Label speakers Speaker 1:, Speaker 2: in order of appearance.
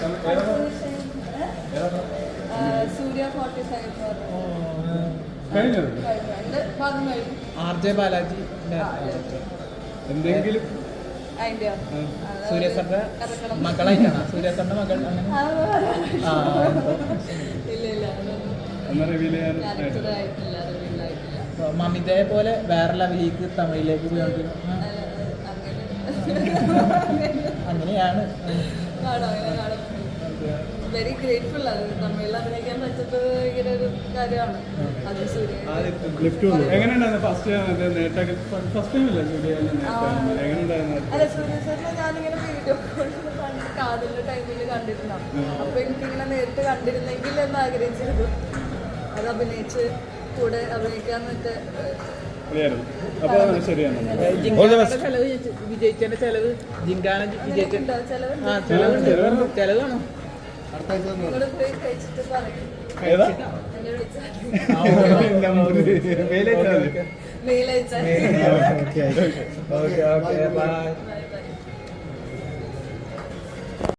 Speaker 1: സൂര്യ 45
Speaker 2: RJ Balaji
Speaker 3: എന്തെങ്കിലും
Speaker 2: സൂര്യ സാറിന്റെ മകളായിട്ടാണ് സൂര്യ സാറിന്റെ മകൾ അങ്ങനെ മമിതയെ പോലെ വേറെ ലെവലിലേക്ക് തമിഴിലേക്ക് പോയോണ്ടിരിക്കും അങ്ങനെയാണ്.
Speaker 1: Very grateful. അത് തമിഴിൽ അഭിനയിക്കാൻ പറ്റുന്നത് ഭയങ്കര ഒരു കാര്യമാണ്. അത് സൂര്യ അല്ല സൂര്യ സാറിനെ ഞാനിങ്ങനെ വീഡിയോ കാതലിന്റെ ടൈമിൽ കണ്ടിട്ടുണ്ടാവും. അപ്പൊ എനിക്കിങ്ങനെ നേരിട്ട് കണ്ടിരുന്നെങ്കിൽ എന്ന് ആഗ്രഹിച്ചിരുന്നു. അത് അഭിനയിച്ച് കൂടെ അഭിനയിക്കാന്നൊക്കെ.
Speaker 2: വിജയിച്ചതിന്റെ ചെലവ് ജിങ്കാന വിജയിച്ചിട്ടുണ്ടോ? ചെലവാണോ?
Speaker 1: നിങ്ങള് പോയി കഴിച്ചിട്ട് പറയും. മെയിൽ അയച്ചാൽ.
Speaker 2: Okay by.